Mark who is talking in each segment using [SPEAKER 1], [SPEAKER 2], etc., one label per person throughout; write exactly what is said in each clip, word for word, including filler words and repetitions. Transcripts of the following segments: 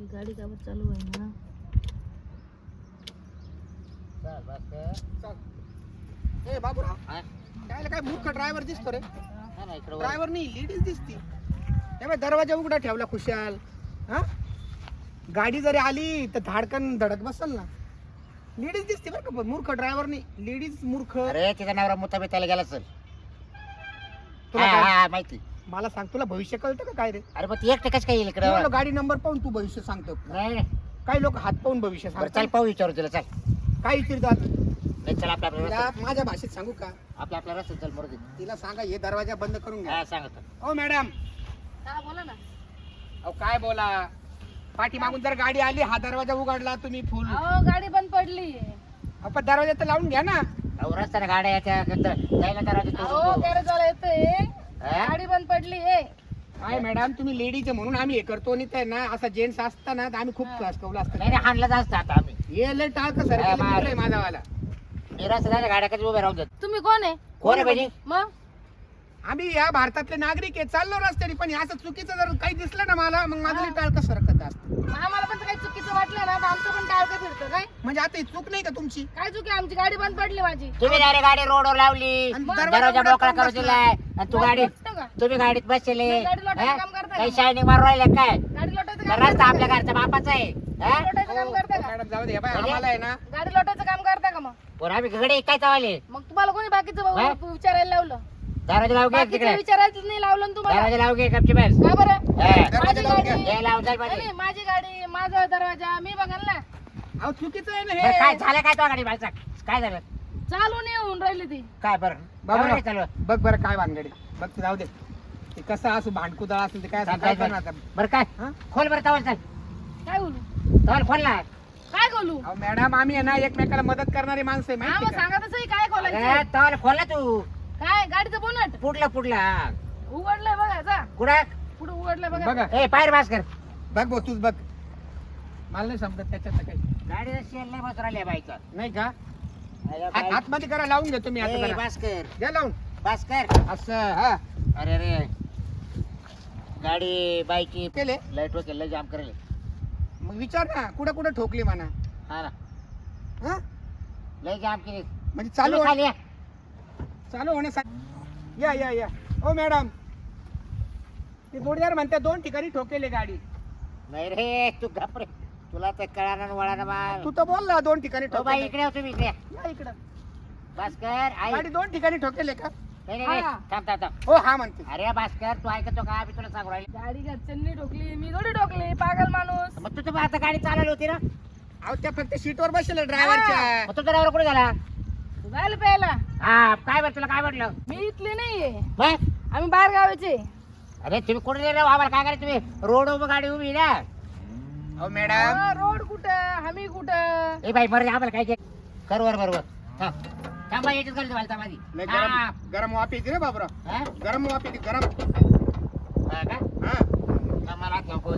[SPEAKER 1] गाडी काबर चालू आहे ना.
[SPEAKER 2] चल बस
[SPEAKER 3] चल ए बाबूराव
[SPEAKER 2] हा
[SPEAKER 3] काय काय मूर्ख ड्रायव्हर दिसतो रे.
[SPEAKER 2] हा ना इकडे
[SPEAKER 3] ड्रायव्हर नाही लेडीज दिसती. हे बघ दरवाजा उघडा ठेवला खुशाल. हा गाडी जरी आली तर धाडकन धडक बसल ना. लेडीज दिसते बरं का. मूर्ख ड्रायव्हर नाही लेडीज मूर्ख.
[SPEAKER 2] अरे तिचा नवरा मुताबिताला गेला सर.
[SPEAKER 3] तुला
[SPEAKER 2] हा
[SPEAKER 3] काय-
[SPEAKER 2] हा माहिती.
[SPEAKER 3] मला सांग तुला भविष्य कळतं का काय रे.
[SPEAKER 2] अरे मग ती एकटे कस काय येईल इकडे?
[SPEAKER 3] मी म्हणलो गाडी नंबर पाहून तू भविष्य सांगतो.
[SPEAKER 2] नाही नाही.
[SPEAKER 3] काही लोक हात पाहून भविष्य
[SPEAKER 2] बरं चल
[SPEAKER 3] सांगतात.
[SPEAKER 2] पाहू विचारू तिला चल.
[SPEAKER 3] काय विचारतात
[SPEAKER 2] नाही चल आपल्या आपल्या
[SPEAKER 3] तिला
[SPEAKER 2] रस्त्यात-
[SPEAKER 3] माझ्या भाषेत सांगू का.
[SPEAKER 2] आपल्या आपल्या रस्त्यात चल मरू दे.
[SPEAKER 3] तिला सांगा हे दरवाजा बंद करून घ्या.
[SPEAKER 2] हा सांगतो.
[SPEAKER 3] ओ मॅडम
[SPEAKER 1] हा बोला ना.
[SPEAKER 3] अहो काय बोला. पाठी मागून जर गाडी आली हा दरवाजा उघडला तुम्ही फुल.
[SPEAKER 1] अहो गाडी बंद पडली.
[SPEAKER 3] आपण दरवाजा तर लावून घ्या ना.
[SPEAKER 2] अहो रस्त्याने गाड्या याच्या जायला दरवाजा
[SPEAKER 1] अहो
[SPEAKER 2] तोडून
[SPEAKER 1] गॅरेज वाला येतोय.
[SPEAKER 2] हा?
[SPEAKER 1] गाडी बंद पडली आहे.
[SPEAKER 3] काय मॅडम तुम्ही लेडीज म्हणून आम्ही हे करतो आणि ते ना असं जेंट्स असताना तर आम्ही खूप त्रास कवला
[SPEAKER 2] नाही
[SPEAKER 3] असतं.
[SPEAKER 2] नाही हाणलं जास्त आता आम्ही.
[SPEAKER 3] हे लय टाळक सर
[SPEAKER 2] हा, मार.
[SPEAKER 3] माझावाला.
[SPEAKER 2] मी रस्त्याने गाड्या कधी उभ्या राहून जात.
[SPEAKER 1] तुम्ही कोण आहे?
[SPEAKER 2] कोण आहे पाहिजे?
[SPEAKER 1] मग
[SPEAKER 3] आम्ही या भारतातले नागरिक आहे चाललो रस्त्याने पण असं चुकीचं जर काही दिसलं ना मला मग माझं टाळक सरकत असतं.
[SPEAKER 1] आम्हाला पण काही चुकीचं वाटलं ना तर आमचं पण टाळकं फिरतं काय.
[SPEAKER 3] म्हणजे आता ही चूक नाही का तुमची.
[SPEAKER 1] काय चुकी आमची गाडी बंद पडली माझी.
[SPEAKER 2] तुम्ही डायरेक्ट गाडी रोडवर लावली.
[SPEAKER 3] आणि
[SPEAKER 1] मग
[SPEAKER 3] दरवाजा
[SPEAKER 2] दरवाजा
[SPEAKER 3] उघडा
[SPEAKER 2] मोकळा
[SPEAKER 3] करून
[SPEAKER 2] करू
[SPEAKER 3] बसला.
[SPEAKER 2] दिलाय आणि तू
[SPEAKER 1] मग
[SPEAKER 2] गाडी
[SPEAKER 1] पटतं का?
[SPEAKER 2] तुम्ही गाडीत बसले.
[SPEAKER 1] नाही, गाडी लोटायचं काम करता
[SPEAKER 2] काही
[SPEAKER 1] का?
[SPEAKER 2] शायनिंग मारून राहिले काय?
[SPEAKER 1] गाडी लोटायचं
[SPEAKER 2] तर
[SPEAKER 1] काम
[SPEAKER 2] रस्ता
[SPEAKER 1] करता
[SPEAKER 2] आपल्या
[SPEAKER 1] का?
[SPEAKER 2] घरचा बापाचा आहे. हा?
[SPEAKER 1] लोटायचं काम
[SPEAKER 3] हो,
[SPEAKER 1] करता
[SPEAKER 3] हो,
[SPEAKER 1] का?
[SPEAKER 3] मॅडम जाऊ दे. हे बाय,
[SPEAKER 2] म्हणजे?
[SPEAKER 3] आम्हाला आहे ना
[SPEAKER 1] गाडी लोटायचं काम करता का मग?
[SPEAKER 2] पोरं आम्ही घडे काय चावले.
[SPEAKER 1] मग तुम्हाला कोणी बाकीचं
[SPEAKER 2] हा?
[SPEAKER 1] भाऊ विचारायला लावलं?
[SPEAKER 2] दरवाजा लावू घे
[SPEAKER 1] बाकीचं
[SPEAKER 2] तिकडे.
[SPEAKER 1] विचारायचं नाही लावलं ना तुम्हाला.
[SPEAKER 2] दरवाजा लावू घे कपची बस.
[SPEAKER 1] का बरं?
[SPEAKER 2] हा.
[SPEAKER 3] दरवाजा
[SPEAKER 1] माझी
[SPEAKER 3] लावून
[SPEAKER 1] गाडी
[SPEAKER 2] हे लावून जाईल
[SPEAKER 1] नाही,
[SPEAKER 2] पाहिजे.
[SPEAKER 1] नाही, माझी गाडी माझा दरवाजा मी बघाल ना.
[SPEAKER 3] अहो चुकीचं आहे ना
[SPEAKER 2] बरं, काय
[SPEAKER 3] हे.
[SPEAKER 2] झालं काय तो गाडी बाळचा काय झालं
[SPEAKER 1] चालू नाही होऊन राहिली ती.
[SPEAKER 2] काय बरं
[SPEAKER 3] बाबा
[SPEAKER 2] बरं चालू
[SPEAKER 3] बघ बरं काय भानगडी. बघ ते जाऊ दे. ते कसं असू भांडकुदळ असेल ते काय असेल, काय करणार आता.
[SPEAKER 2] बरं काय
[SPEAKER 3] हा?
[SPEAKER 2] खोल बरं तवल चल
[SPEAKER 1] काय बोलू
[SPEAKER 2] तवल खोल ना.
[SPEAKER 1] काय बोलू?
[SPEAKER 3] अहो मॅडम आम्ही आहे ना एकमेकाला मदत करणारी माणसं आहे
[SPEAKER 1] हा
[SPEAKER 3] माहिती
[SPEAKER 1] मग
[SPEAKER 3] का.
[SPEAKER 1] सांगा तसंही काय
[SPEAKER 2] अरे
[SPEAKER 1] खोलायचं.
[SPEAKER 2] तवल खोल ना तू.
[SPEAKER 1] काय गाडीचं बोनट
[SPEAKER 2] पुढला पुढला
[SPEAKER 1] उघडलंय बघा जा.
[SPEAKER 2] कुठं
[SPEAKER 1] पुढे उघडलंय बघा.
[SPEAKER 3] बघा
[SPEAKER 2] ए पायर बास कर.
[SPEAKER 3] बघ भाऊ तूच बघ. मला नाही समजत त्याच्यात काही
[SPEAKER 2] गाडीला शेल नाही बस राहिली बाईचा.
[SPEAKER 3] नाही का. हात हातमध्ये करा लावून घेतो मी आता जरा.
[SPEAKER 2] बास कर
[SPEAKER 3] द्या लावून
[SPEAKER 2] बास कर.
[SPEAKER 3] असं हा
[SPEAKER 2] अरे रे गाडी बाईची
[SPEAKER 3] केले.
[SPEAKER 2] लाईट वगैरे लय जाम करेल.
[SPEAKER 3] मग विचार ना कुठं कुठं ठोकली म्हणा.
[SPEAKER 2] हा ना
[SPEAKER 3] हा
[SPEAKER 2] लय जाम केली.
[SPEAKER 3] म्हणजे चालू
[SPEAKER 2] तुम्ही खाली या.
[SPEAKER 3] चालू होण्यासाठी या या या. ओ मॅडम ते जोडीदार म्हणते दोन ठिकाणी ठोकेले गाडी.
[SPEAKER 2] नाही रे तू घाबरे तुला तर कळाना वळाना माल.
[SPEAKER 3] तू तर बोल ना दोन ठिकाणी
[SPEAKER 2] ओ बाई
[SPEAKER 3] ठोकेले.
[SPEAKER 2] इकडे हो तुम्ही इकडे या.
[SPEAKER 3] या इकडं.
[SPEAKER 2] भास्कर आई
[SPEAKER 3] गाडी दोन ठिकाणी ठोकेले का.
[SPEAKER 2] नाही नाही, नाही
[SPEAKER 1] हा.
[SPEAKER 2] थांब थांब थांब.
[SPEAKER 3] हो हा म्हणते.
[SPEAKER 2] अरे भास्कर तू ऐकतो का मी तुला सांगू राहिले.
[SPEAKER 1] गाडी घरच्यांनी ठोकली मी थोडी ठोकली पागल माणूस.
[SPEAKER 2] मग तू तर आता गाडी चालवली होती ना.
[SPEAKER 3] अहो त्या फक्त सीटवर बसले ड्रायव्हरच्या.
[SPEAKER 2] मग तुझा ड्रायव्हर कुठे झाला.
[SPEAKER 1] जायला प्यायला.
[SPEAKER 2] हा काय बरं तुला काय म्हटलं
[SPEAKER 1] मी इथली नाहीये
[SPEAKER 2] मग
[SPEAKER 1] आम्ही बाहेर गावाचे.
[SPEAKER 2] अरे तुम्ही कुठे गेले आम्हाला काय करायचं तुम्ही रोड उभं गाडी उभी आहे ना.
[SPEAKER 3] अहो मॅडम
[SPEAKER 1] हा, रोड कुठं आम्ही कुठं.
[SPEAKER 2] ए बाई बरं आम्हाला काय कर वर बरोबर थांब थांबा याच्यात करतो मला माझी
[SPEAKER 3] नाही
[SPEAKER 2] हा.
[SPEAKER 3] गरम गरम वाफ येते रे बाबरा.
[SPEAKER 2] हा?
[SPEAKER 3] गरम वाफ येते गरम.
[SPEAKER 2] हा का
[SPEAKER 3] हा
[SPEAKER 2] थांब, मला हात नको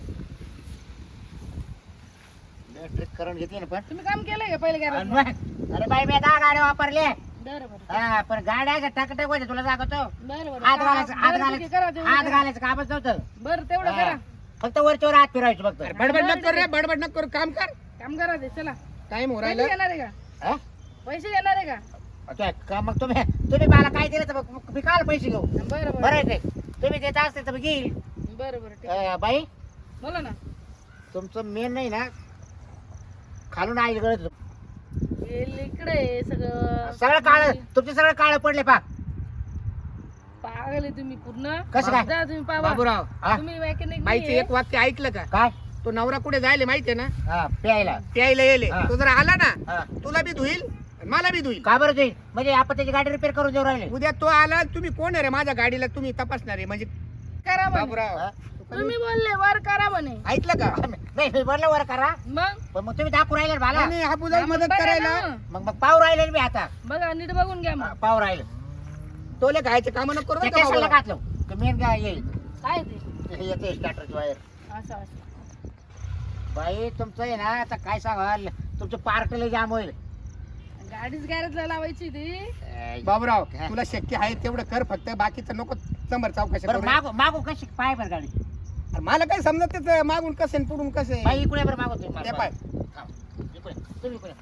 [SPEAKER 2] ट्रिक करून घेतली ना पण
[SPEAKER 1] तुम्ही काम केलंय का पहिले
[SPEAKER 2] आणि
[SPEAKER 1] गॅरेज?
[SPEAKER 2] मग, अरे बाई मी दहा गाड्या वापरले.
[SPEAKER 1] बरं बरं
[SPEAKER 2] हा पण गाड्या टकटक होते तुला सांगतो.
[SPEAKER 1] बरं बरं
[SPEAKER 2] हात
[SPEAKER 1] का-
[SPEAKER 2] घालायचं हात
[SPEAKER 1] बरं, ठीक आहे, करा
[SPEAKER 2] घालायचं
[SPEAKER 1] तेवढं
[SPEAKER 2] हात
[SPEAKER 1] करा.
[SPEAKER 2] घालायचं कामच नव्हतं.
[SPEAKER 1] बरं तेवढं
[SPEAKER 2] हा.
[SPEAKER 1] करा.
[SPEAKER 2] फक्त वरच्यावर हात फिरायचं फक्त
[SPEAKER 3] अरे बडबड नको कर रे बडबड नको करू काम कर.
[SPEAKER 1] काम करा ते चला.
[SPEAKER 3] टाइम हो
[SPEAKER 1] पैसे
[SPEAKER 3] राहिला.
[SPEAKER 1] येणार आहे का?
[SPEAKER 2] हा?
[SPEAKER 1] पैसे येणार आहे का?
[SPEAKER 2] अच्छा, का मग तुम्ही तुम्ही मला काय दिलं तर मग मी काल पैसे घेऊ.
[SPEAKER 1] बरं
[SPEAKER 2] बरं
[SPEAKER 1] बरं
[SPEAKER 2] आहे ते तुम्ही देत असते तर मी घेईल.
[SPEAKER 1] बरं बरं ठीक आहे.
[SPEAKER 2] अं, बाई
[SPEAKER 1] बोला ना.
[SPEAKER 2] तुमचं मेन नाही ना खालून आई गळत
[SPEAKER 1] हे इकडे आहे सगळं.
[SPEAKER 2] सगळं काळ तुमचे सगळं काळ पडले पा.
[SPEAKER 1] पागल आहे तुम्ही पूर्ण.
[SPEAKER 2] कसं काय?
[SPEAKER 1] जा तुम्ही पाहा.
[SPEAKER 3] बाबूराव
[SPEAKER 2] हा?
[SPEAKER 1] तुम्ही मेकॅनिक
[SPEAKER 3] बाईचं एक वाक्य ऐकलं का.
[SPEAKER 2] काय
[SPEAKER 3] तो नवरा कुठे जायले माहितीये ना.
[SPEAKER 2] हा प्यायला
[SPEAKER 3] प्यायला येले.
[SPEAKER 2] हा.
[SPEAKER 3] तो जर आला ना
[SPEAKER 2] हा.
[SPEAKER 3] तुला बी धुईल आणि मला बी धुईल.
[SPEAKER 2] का बरं जाईल म्हणजे आपण त्याची गाडी रिपेअर करून देऊ राहिले.
[SPEAKER 3] उद्या तो आला तुम्ही कोण आहे रे माझ्या गाडीला तुम्ही तपासणार आहे म्हणजे.
[SPEAKER 1] करा म्हणे.
[SPEAKER 3] बाबूराव
[SPEAKER 2] हा?
[SPEAKER 1] तुम्ही बोलले वर करा म्हणे.
[SPEAKER 3] ऐकलं का.
[SPEAKER 2] नाही मी म्हणलं वर करा
[SPEAKER 1] मग
[SPEAKER 2] पण मग तुम्ही दाखवू राहिले ना मला.
[SPEAKER 3] नाही हा बुजाला
[SPEAKER 1] आपण
[SPEAKER 3] मदत
[SPEAKER 1] बघा
[SPEAKER 3] करायला.
[SPEAKER 1] ना.
[SPEAKER 2] मग मग पाव राहिले ना मी आता
[SPEAKER 1] बघा नीट बघून घ्या
[SPEAKER 2] हा,
[SPEAKER 1] मग.
[SPEAKER 2] पाव राहिले
[SPEAKER 3] तोले खायचे काम नको करू
[SPEAKER 2] त्या
[SPEAKER 3] बरं का
[SPEAKER 2] केसाला
[SPEAKER 3] बाबूराव.
[SPEAKER 2] घातलं मेन काय येईल
[SPEAKER 1] काय ते
[SPEAKER 2] हे येते स्टार्टरची वायर.
[SPEAKER 1] असं असं.
[SPEAKER 2] बाई तुमचं आहे ना आता काय सांगाल तुमचं पार्क लय जाम होईल.
[SPEAKER 1] गाडीच गॅरेजला लावायची ती.
[SPEAKER 2] अं,
[SPEAKER 3] बाबूराव
[SPEAKER 2] हा.
[SPEAKER 3] तुला शक्य आहे तेवढं कर फक्त बाकीचं नको चंबर चौकशी
[SPEAKER 2] बरं
[SPEAKER 3] करू.
[SPEAKER 2] मागू मागू कशी पाय बरं गाडी
[SPEAKER 3] अरे मला काय समजत त्याचं मागून कसं आहे, पुढून कसं आहे.
[SPEAKER 2] बाई इकडे बरं मागवतो
[SPEAKER 3] ते पाय
[SPEAKER 2] इकडे तुम्ही इकडे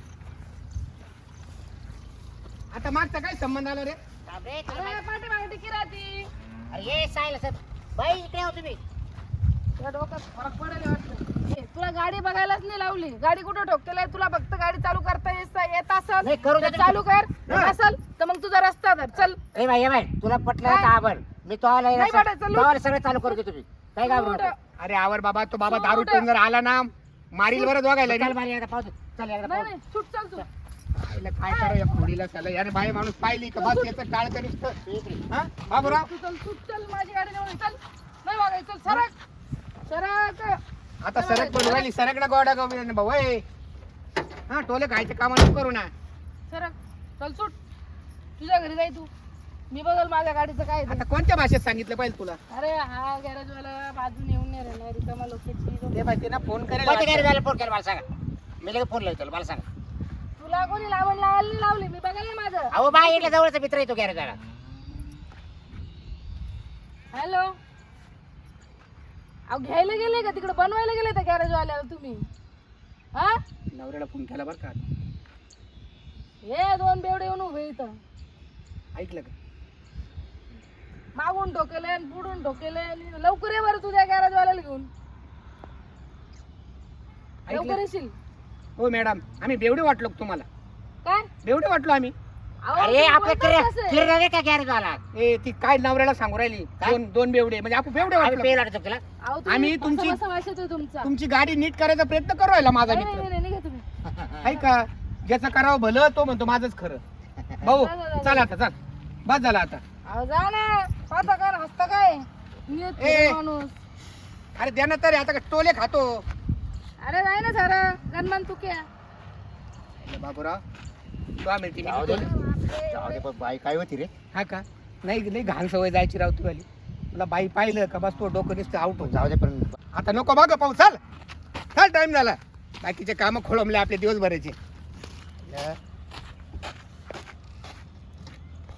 [SPEAKER 3] आता मागचा काय संबंध आला रे.
[SPEAKER 2] थांब रे, तुला
[SPEAKER 1] अरे
[SPEAKER 2] माहिती-
[SPEAKER 1] पाठीमागे टिकी राहती.
[SPEAKER 2] अरे ये सायला सर बाई इकडे हो तुम्ही.
[SPEAKER 1] तुला डोक्यात फरक पडेल वाटतं. ए, तुला गाडी बघायलाच नाही लावली. गाडी कुठं ठोकतेला आहे? तुला फक्त गाडी चालू करता येत येत असेल
[SPEAKER 2] नाही, करू दे
[SPEAKER 1] तर चालू कर.
[SPEAKER 3] हा.
[SPEAKER 1] असेल तर मग तुझा रस्ता धर. चल.
[SPEAKER 2] ए बाई ए बाई तुला पटलं
[SPEAKER 1] काय?
[SPEAKER 2] तर आवर मी तो आला
[SPEAKER 1] नाही पटत, चल.
[SPEAKER 2] सगळं चालू करू दे तुम्ही काय घाबरू नका.
[SPEAKER 3] अरे आवर बाबा, तो बाबा
[SPEAKER 1] तू
[SPEAKER 3] दारू
[SPEAKER 1] उठ.
[SPEAKER 3] पिऊन जर आला ना मारील बरं दोघायला.
[SPEAKER 2] चल मारी एकदा पाहतो चल एकदा
[SPEAKER 1] नाही
[SPEAKER 2] पाहतो.
[SPEAKER 1] नाही सुट चल तू.
[SPEAKER 3] आईला काय करा या खोडीला त्याला याने बाई माणूस पाहिली का बस याचं टाळ करीस तर.
[SPEAKER 2] तू इकडे.
[SPEAKER 3] हा बाबूराव
[SPEAKER 1] तू चल सुट चल माझी गाडी नेऊन चल. नाही बघायचं चल सरक. सरक.
[SPEAKER 3] आता सरक पण राहिली सरकडा गोडा गोविंद भाऊ ए. हा टोले खायचे काम नको करू ना.
[SPEAKER 1] सरक. चल सुट. तुझ्या घरी जाय तू. मी बघल माझ्या गाडीचं काय ते.
[SPEAKER 3] आता कोणत्या भाषेत सांगितलं पाहिजे तुला.
[SPEAKER 1] अरे हा गॅरेज वाला बाजून येऊन नाही राहिला रिकामा लोकेची.
[SPEAKER 3] ते माहिती ना फोन करेल
[SPEAKER 2] कोणत्या गाडी
[SPEAKER 3] वाटतं.
[SPEAKER 2] झाला फोन केला मला सांगा मी लगेच फोन लावतो मला सांगा.
[SPEAKER 1] तुला कोणी लावण लावायला नाही लावली. मी बघायला माझं.
[SPEAKER 2] अहो बाई इकडे जवळचा मित्र येतो गॅरेज झाला.
[SPEAKER 1] हॅलो. अहो घ्यायला गेले का तिकडे बनवायला गेले त्या गॅरेज वाल्याला तुम्ही? हा
[SPEAKER 3] नवऱ्याला फोन केला बरं का.
[SPEAKER 1] हे दोन बेवडे येऊन उभे इथं.
[SPEAKER 3] ऐकलं का.
[SPEAKER 1] मागून ठोकेले आणि पुढून ठोकेले आणि लवकर ये बरं तुझ्या गॅरेज वाल्याला घेऊन. लवकर
[SPEAKER 3] ऐकलं
[SPEAKER 1] येशील.
[SPEAKER 3] हो मॅडम आम्ही बेवडे वाटलो का तुम्हाला.
[SPEAKER 1] काय?
[SPEAKER 3] बेवडे वाटलो आम्ही.
[SPEAKER 1] अहो,
[SPEAKER 2] अरे
[SPEAKER 1] तुम्ही
[SPEAKER 2] आपलं
[SPEAKER 1] बोलताय कसं?
[SPEAKER 2] किरण रे का गॅरेज झाला
[SPEAKER 3] ए ती काय नवऱ्याला सांगू राहिली.
[SPEAKER 2] काय?
[SPEAKER 3] दोन दोन बेवडे म्हणजे आपण बेवडे
[SPEAKER 2] आम्ही
[SPEAKER 3] वाटलो.
[SPEAKER 2] पेल वाटतो तुला
[SPEAKER 1] अहो, तुम्ही
[SPEAKER 3] आम्ही
[SPEAKER 1] बसा-
[SPEAKER 3] तुमची-
[SPEAKER 1] बसा वास येतोय तुमचा.
[SPEAKER 3] तुमची गाडी नीट करायचा प्रयत्न करू राहिला माझा
[SPEAKER 1] नाही, नाही,
[SPEAKER 3] मित्र.
[SPEAKER 1] नाही, निघा तुम्ही.
[SPEAKER 3] आहे का ज्याचं करावं भलं तो म्हणतो माझंच खरं. भाऊ
[SPEAKER 1] जा, जा, जा.
[SPEAKER 3] चल आता चल बस झाला आता.
[SPEAKER 1] अहो जा ना. पाहता का हसता काय? नीट
[SPEAKER 3] ए.
[SPEAKER 1] माणूस.
[SPEAKER 3] अरे द्या ना तरी आता का टोले खातो.
[SPEAKER 1] अरे नाही ना सारं गणमान तू क्या.
[SPEAKER 3] बाबूराव तो आम्ही ती
[SPEAKER 2] जाऊ दे.
[SPEAKER 1] बापरे.
[SPEAKER 2] जाऊ दे, पण बाई काय होती रे
[SPEAKER 3] हा का नाही नाही घाण सवय जायची राव तुला. तुला बाई पाहिलं का बस तो डोकं नुसतं आउट होत.
[SPEAKER 2] जाऊ दे पण
[SPEAKER 3] आता नको बघ पाहू चल चल टाइम झाला. बाकीचे कामं खोळंबले आपले दिवसभराचे.